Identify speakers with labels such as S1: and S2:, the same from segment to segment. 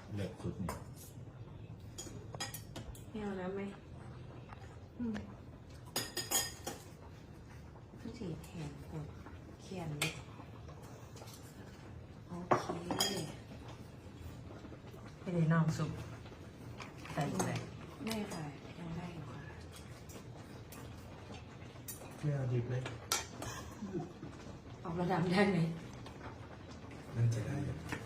S1: เลือกสุดนี่
S2: ไม่เอาน้ำไหมผู้จีแทนกดเขียนเลยโอเค
S3: ไม่ได้น้องสุกใส่ใส่
S2: ได้ค่ะยังได้อยู่ค่ะ
S1: ไม่เอาดิบเลย
S2: ออกระดับได้ไหม
S4: น่าจะได้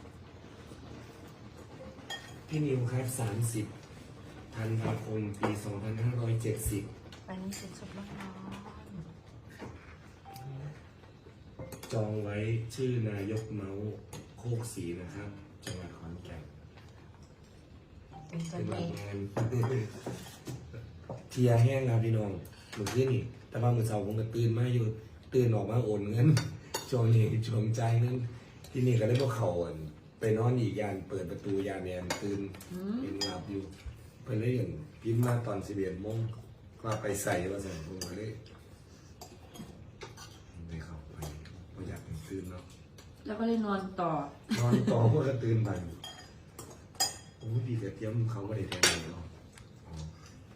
S4: พี่นิวครับ30 ธันวาคม ปี 2570
S3: อันนี้เป็นสุกร้อน
S4: จองไว้ชื่อนายกเมาส์โคกศรีนะครับ จังหวัดขอนแก่น
S3: ๆเป็นตัว
S4: เป็นวั
S3: เอน ง
S4: งาน เทียแห้งครับพี่น้องหนูขึ้นนี่แต่ว่ามือเสาผมก็ตื่นมาอยู่ตื่นออกมาโอนเงิน ช่วงนี้ช่วงใจายเงินที่นี่ก็ได้พวกเขาอ่ะไปนอนอีกยานเปิดประตูยานแอนตื่นเป็นหลับอยู่เพิ่นเลยอย่างพิมพ์มาตอน11 โมงก็ไปใส่ว่าสั่นผมก็เลยได้เข้าไปบ่อยากให้ตื่นเนาะ
S2: แล้วก็เลยนอนต่อน
S4: อนต่อพวกก็ตื่นไปโอ้ยดีกระเทียมเขาก็ได้แทนเลยเนาะอ๋อ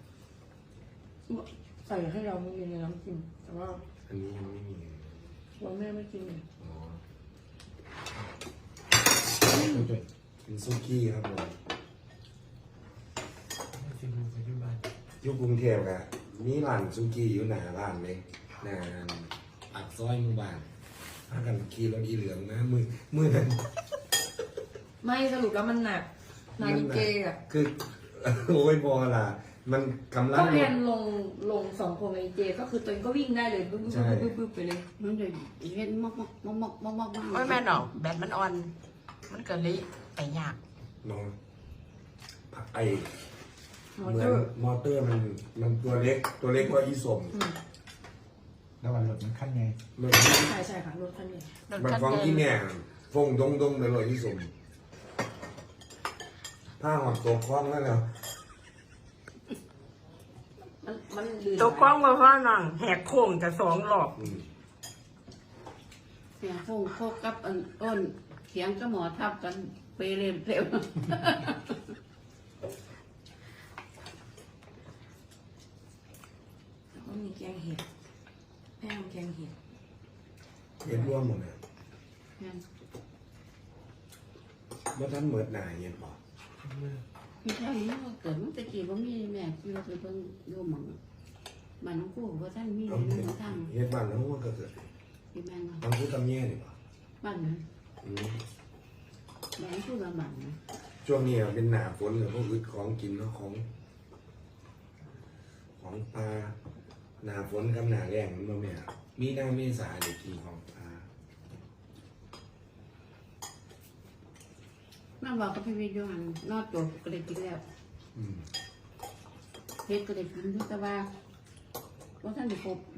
S2: ใส่ให้เราไม่มีในน้ำจิ้มแต่ว่า
S4: อันนี้ยังไม่มีเลย
S2: วันแม่ไม่กิน
S4: อ๋อ
S1: จุด
S4: เป็นซุกี้ครับผม
S1: ไม่ชิมดูปัจจุบัน
S4: อยู่กรุงเทพอะมีร้านซุกี้อยู่หน้าบ้านเลยหน้าปากซอยหมู่บ้านพากันขี่รถอีเหลืองนะมือนั้น
S2: ไม่สรุปแล้วมันหนักนาฬิเกอ่ะ
S4: คือ โอ้ยบอล่ะ มันกำลั
S2: ก็
S4: ง
S2: แอนลงสองคนนาฬิเกก็คือตัวเองก็วิ่งได้เลยบึ้บบึ้บไปเลย
S5: มันเลยเห็นมอก
S3: ไม่แม่หรอกแบตมันอ่อน มันเกิดเลยไปยาก
S4: น้องไอ
S2: มอ
S4: เหมื
S2: เต
S4: อ
S2: อน ร์
S4: มอเตอร์มันตัวเล็กกว่าอีสม
S1: แล้ววันรถมันขั้นไง
S4: มัน
S2: ใช่ค่ะรถคันนี้
S4: มันฟังที่แม่ฟงดงเลยอีสมผ้าหอดตัวคล้องแล้วเนาะ
S2: มันลื่น
S3: ตัวกล้องมาว่านั่งแหกโค้งกับ2 รอบ
S5: เสียงฟงโคกกับอ้นเสียงก็หมอทับกันเปเรนเร็ว
S2: แล้วก็มีแกงเห็ดแม่ทำแกงเห็ด
S4: เห็นร่วมหมดเลยว่าท่านเหมือนหนาเย็นป่ะ
S5: พี่ชายนี่ก็เกิดมันตะกี้ว่ามีแม่ที่เราไปเพิ่งดูหมองมันน้องกู้ว่าท่านมี
S4: เรา
S5: ใน
S4: เห็น
S5: ทาง
S4: เห็นบ้านแล้วว่าก็เกิด
S5: ที่แม่เนาะ
S4: ต้องพูดตำแย่นี่ป่ะ
S5: บ้านนะแม่พูดละหมันนะ
S4: ช่วงนี้เป็นหนาฝนเลยพวกอึดของกินเนาะของปลาหนาฝนกับหนาแรงมันบ่แม่มีหน้าเมษาเด็กกินของปลา
S5: นั่นบอกกับพี่วิทย์อยู่หันนอดตัวก็เลยกินแล้ว
S4: อืม
S5: เฮ็ดก็เลยกินทุกตะว่าว่าท่านได้ครบ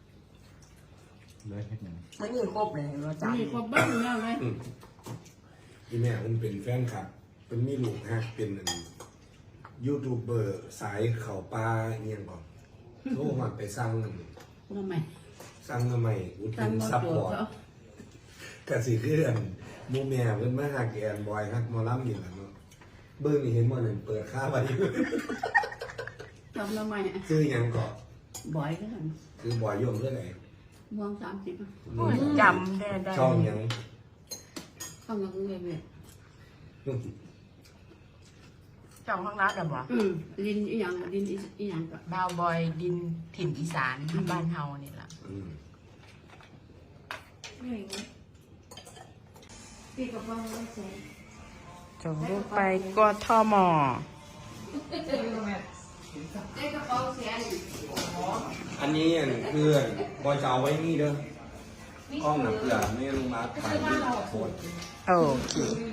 S1: เลยเฮ็ดหนึ่ง
S3: มันมีครบเลยเราจ
S5: มีครบบ้างแล้วเลย
S4: ที่แม่มันเป็นแฟนคลับเป็นมีลูกฮักเป็นยูทูบเบอร์สายเขาปลาเงียงก่อนโทรมาไปสั่ง
S5: ทำไม
S4: สั่งมาใหม่อุดห
S5: ตั้
S4: นุ
S5: ง
S4: น
S5: มา
S4: ซัพ
S5: ตัว
S4: พอร์ต
S5: เขา
S4: กสิเพื่อนหมูแม่เพิ่นมาหาแกนบอยฮักหมอลำนี่แหละเนาะเบิ่งนี่เห็นบ่นั่นเปิดค่าไว้
S5: ทำทำไม
S4: ชื่อหยังก็
S5: บ่อยก็ท
S4: คือบอยยมเรื่องไหน
S5: ำมอง30
S3: ำจำได้
S4: ช่องหยัง
S5: เข้ามาเรื่อย
S3: ช่องข้างร้านเหรอบ่
S5: ลินอีหยังลินอีหยังก็
S3: ดาวบอยดินถิ่นอีสานบ้านเฮานี่แหละ
S4: อืม
S2: ไม่อย่างนี้พี่กับพ่อไม่ใช่
S3: ส่งลูกไปกทม
S5: ได้กระเป๋าเสีย
S4: อันนี้เพื่อนบอยจะเอาไว้นี่เด้อกล้องน่ะเผื่อไม่ลงมาถ่ายรูปโพสต์
S3: โอเค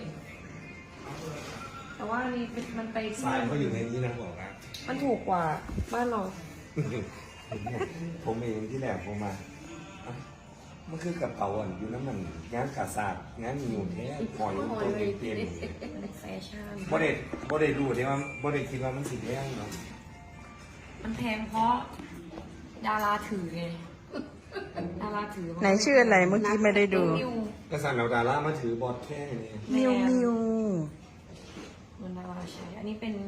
S2: แต่ว่านี่มันไปที่
S4: สายเขาอยู่ในนี้นะบอกนะ
S2: มันถูกกว่าบ้านเรา
S4: ผมเองที่แหลกผมมาอ่ะมันคือกระเป๋าอ่ะอยู่น้ำมันงานกาซาดงานอยู่แท้หอยตัวเต็ม
S2: เป็นแฟชั่น
S4: บ่ได้รู้เดี๋ยวว่าบ่ได้คิดว่ามันสิแพงเนาะ
S2: มันแพงเพราะดาราถือไงดาราถือ
S3: ไหนชื่ออะไรเมื่อกี้ไม่ได้ดู
S2: นิว
S4: กระสันเอาดารามาถือบอดแค่นี้
S3: มิวมิว
S2: มัน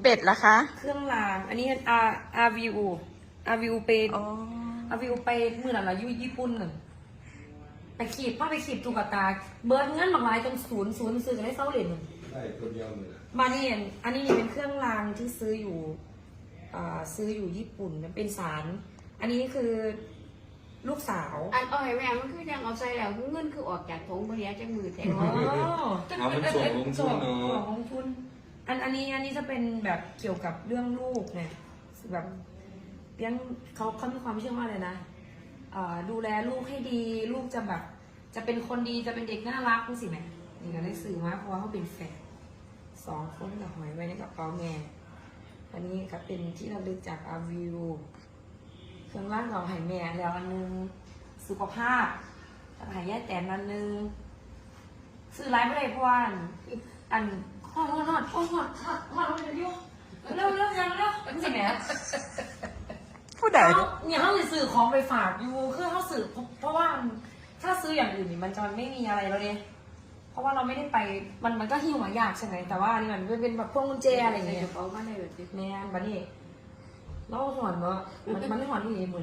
S3: เป็ดล่ะคะ
S2: เครื่องรางอันนี้RVU ไป
S3: อ๋อ
S2: RVU ไปมือหลังอยู่ญี่ปุ่นน่ะไปขีดผ้าไปขีดตุ๊กตาเบิร์ดเงินบางรายจนศูนย์ซื้อกันได้เศร้าเหรียญหนึ่ง
S4: ได้ตัวเดียวเลยนะ
S2: มานี่อันนี้เป็นเครื่องรางที่ซื้ออยู่ญี่ปุ่นเป็นสาร อันนี้คือลูกสาว
S5: อันอ้อยแม่มันคือยังเอาใส่แล้วเงินคือออกจากถุงบริยาจากมือแทง
S2: อ๋อ
S4: เอามันส่งลงทุนเนาะ
S2: ส่งลงทุนอันนี้จะเป็นแบบเกี่ยวกับเรื่องลูกไงแบบเลี้ยงเขามีความเชื่อว่าอะไรนะดูแลลูกให้ดีลูกจะแบบจะเป็นคนดีจะเป็นเด็กน่ารักนี่สิแม่นี่ก็ได้สื่อมาเพราะว่าเขาเป็นแฝด2 คนกับหอยไว้ในกระเป๋าแม่อันนี้ก็เป็นที่ระลึกจากอาวิวเครื่องร่างเราหายแม่แล้วอันนึงสุขภาพหายแย่แต่อันนึงซื้อไลฟ์ไม่ได้เพราะว่าอันฮอดเร็วยังนี่สิแม่
S3: ผู้ใด
S2: เนี่ยเขาสื่อของไปฝากอยู่คือเขาสื่อเพราะว่าถ้าซื้ออย่างอื่นนี่มันจะไม่มีอะไรแล้วเนี่ยเพราะว่าเราไม่ได้ไปมันก็หิ้วหายากใช่ไหมแต่ว่านี่มันเป็นแบบพวงกุญแจอะไรอย่างเงี้ย
S5: เขามาได้แบบนี้
S2: แม่บัดนี้เราหอนเนาะมันไม่หอนที่นี่บุญ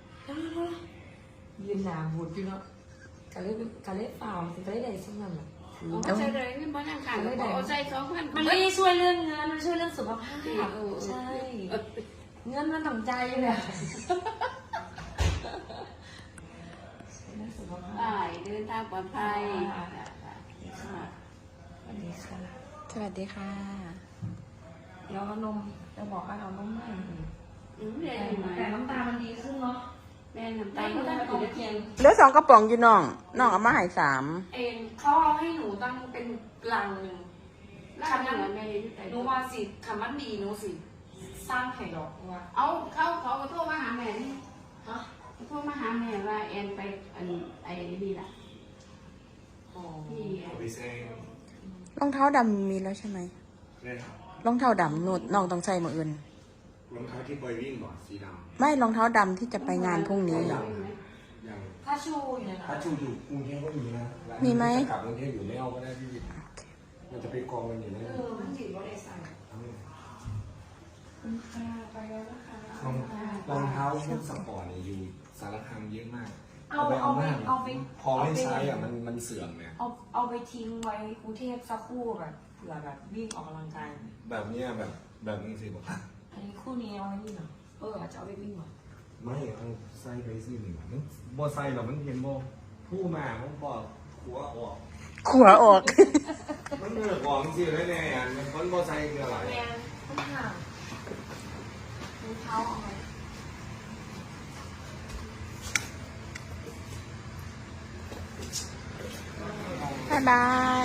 S2: ยืนหนาบูดอยู่เนาะกะเล็บเปล่าสิกะเล็บใดสักนั่นแหละ
S5: เอาใส่เลยนี่บ้านข้างๆเอาใส่2,000
S2: มันไม่ได้ช่วยเรื่องเงินมันช่วยเรื่องสุขภาพใช่เงินมันต่างใจอยู่เลย
S5: ไปเดินทางปลอดภัย
S2: สวัสดีค่ะ
S3: สวัสดีค่ะ
S2: แล้วนมจะบอกว่าเอานมให้แต่น้ำตามันดีขึ้นเนาะ
S5: แม่น้ำตาลก็ได้ไปเทียน
S3: เหลือ2 กระป๋องอยู่น้องเอามาให้3
S2: เองเขาเอาให้หนูตั้งเป็นลังหนึ่ง
S5: แล้วอันนั้นแม่ที่ไหน
S2: หนูว่าสิคำมันดีหนูสิสร้างไข่ดอกว่า
S5: เอาเขาโทรมาหาแม่นี่
S2: ฮะ
S5: โทรมาหาแม่ว่าแอนไปไอ้นี่ล่ะ
S2: อ๋อ
S5: ที่
S4: เอาไปแซง
S3: รองเท้าดำมีแล้วใช่ไหม
S4: ได้ครับ
S3: รองเท้าดำน้องต้องใส่มื้ออื่น
S4: รองเท้าที่บอยวิ่งบ่สีด
S3: ไม่รองเท้าดำที่จะไปงานพรุ่งนี้
S4: ำยัง
S2: ถ้าชูอยู่ใน
S4: ถ้า
S2: นั้น
S4: ชูอยู่กรุงเทพก็มีนะ
S3: มีไหม
S4: กลับกรุงเทพอยู่ไม่เอาก็ได้พี่มันจะไปกองกันอยู่นะ
S2: มันจีบว่าได้ใส่คุณค่าไปแล้วนะคะ
S4: รองเท้าชุดสปอร์ตเนี่ยอยู่สารคามเยอะมาก
S2: เอาไป
S4: พอไม่ใช้อ่ะมันเสื่อมเนี่ย
S2: เอาไปทิ้งไว้กรุงเทพสักคู่แบบเผื่อแบบวิ่งออกกำลังกาย
S4: แบบเนี้ยแบบนี้สิบอกว่า
S2: อันนี้คู่นี้เอาไว้นี่เหรออาจจะเอาไปวิ่งเหรอ
S4: ไม่เอาใส่ไปสิหนึ่งมันบ่ใส่หรอกมันเห็นบ่ผู้มามันบอกหัวออก
S3: ขัวออก
S4: มันเหนือกองสิเลยเนี่ยมันคนบ่ใส่คืออะไร
S2: แมนข้างห่างรองเท้าเอาไว้
S3: บ๊ายบาย